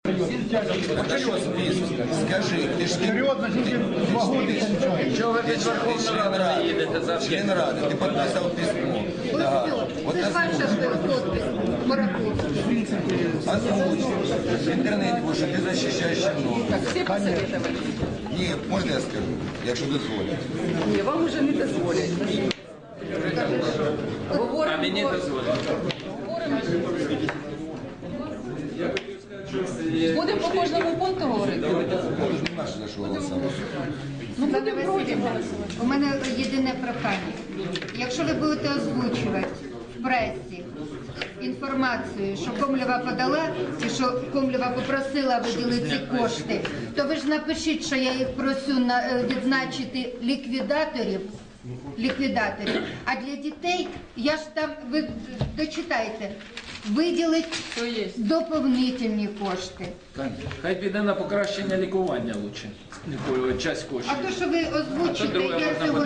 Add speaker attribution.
Speaker 1: Скажи, ти ж
Speaker 2: Серйозно, тільки 2 роки получаєш.
Speaker 3: Чого ви під Верховну Раду не їдете за
Speaker 1: член Ради, ти підписав письмо.
Speaker 4: Ось все. Це ж ваша підпис, Мараковський.
Speaker 1: Озвучь. В інтернеті, бо що ти захищаєш чиновників.
Speaker 5: Всі посоветовали.
Speaker 1: Ні, можна я скажу, якщо дозволять.
Speaker 5: Ні, вам уже не дозволять.
Speaker 3: А мені дозволять.
Speaker 5: Будемо по кожному пункту говорити?
Speaker 1: Може, нема ж за що голосувати.
Speaker 4: Олена Васильівна, у мене єдине прохання. Якщо ви будете озвучувати в пресі інформацію, що Комлєва подала і що Комлєва попросила виділити ці кошти, то ви ж напишіть, що я їх просю відзначити ліквідаторів. А для дітей, я ж там, ви дочитайте, виділить доповнительні кошти.
Speaker 3: Хай піде на покращення лікування лучше. Часть коштів.
Speaker 4: А то, що ви озвучите, я цього